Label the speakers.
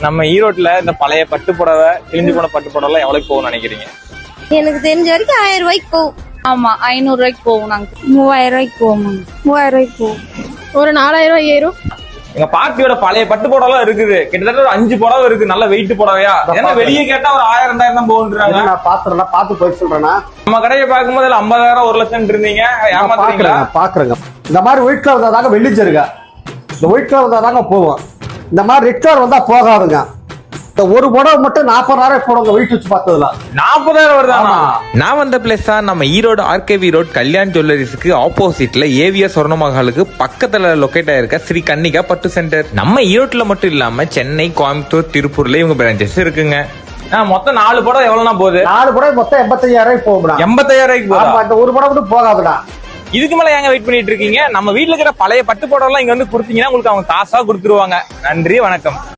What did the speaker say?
Speaker 1: நம்ம ஈரோட்ல இந்த பழைய பட்டு புடவை, கிழிஞ்சு போன பட்டு புடவை எல்லாம் எவ்வளவு போகும்னு நினைக்கிறீங்க?
Speaker 2: எனக்கு தெரிஞ்ச வரைக்கும் 1000 ரூபாய்க்கு போகும்.
Speaker 3: ஆமா 500 ரூபாய்க்கு போகும். நாங்க
Speaker 2: 3000 ரூபாய்க்கு போகும். 3000 ரூபாய்க்கு போகும். ஒரு 4000 ரூபாய் ஏறும்.
Speaker 1: எங்க பாட்டியோட பழைய பட்டு புடவை இருக்குது, கிட்டத்தட்ட ஒரு 5 புடவை இருக்கு, நல்ல வெயிட் புடவையா. ஏன்னா வெளியே கேட்டா ஒரு 1000 2000 தான் போகுன்றாங்க.
Speaker 4: நான் பாத்துறேன், பாத்து போய் சொல்றேன்னா
Speaker 1: நம்ம கடையை பார்க்கும்போது 50,000 1 லட்சம் இருந்தீங்க, ஏமாத்துறீங்களா?
Speaker 4: பாக்குறேங்க. இந்த மாதிரி ஒயிட் கலர் வந்தாதாங்க வெள்ளிச்சருங்க, இந்த ஒயிட் கலர் வந்தாதாங்க போவோம். இந்த மாதிரி ரெட் கலர் வந்தா போகாதுங்க. இந்த ஒரு புடவை மட்டும் 40,000 போடுங்க வெயிட் வச்சு பார்த்ததுல
Speaker 1: 40,000 வருதானா?
Speaker 5: நான் வந்த பிளேஸ் தான் நம்ம ஈரோடு ஆர்கேவி ரோட் கல்யாண் ஜுவல்லரிஸ்க்கு ஆப்போசிட்ல ஏவிஎஸ் சொர்ணமஹாலுக்கு பக்கத்துல லொகேட் ஆயிருக்க ஸ்ரீ கன்னிகா பட்டு சென்டர். நம்ம ஈரோட்ல மட்டும் இல்லாம சென்னை, கோயம்புத்தூர், திருப்பூர்ல இவங்க பிரான்ச்சஸ் இருக்குங்க.
Speaker 1: மொத்தம் 4 புடவை எவ்வளவுனா போகுது?
Speaker 4: 4 புடவை மொத்தம் 85,000 போகும்டா.
Speaker 1: 85,000 போகுது.
Speaker 4: இந்த ஒரு புடவை மட்டும் போகாதுடா.
Speaker 1: இதுக்கு மேல ஏங்க வெயிட் பண்ணிட்டு இருக்கீங்க? நம்ம வீட்டுல இருக்கிற பழைய பட்டு புடவை எல்லாம் இங்க வந்து கொடுத்தீங்கன்னா உங்களுக்கு அவங்க காசா கொடுத்துருவாங்க. நன்றி, வணக்கம்.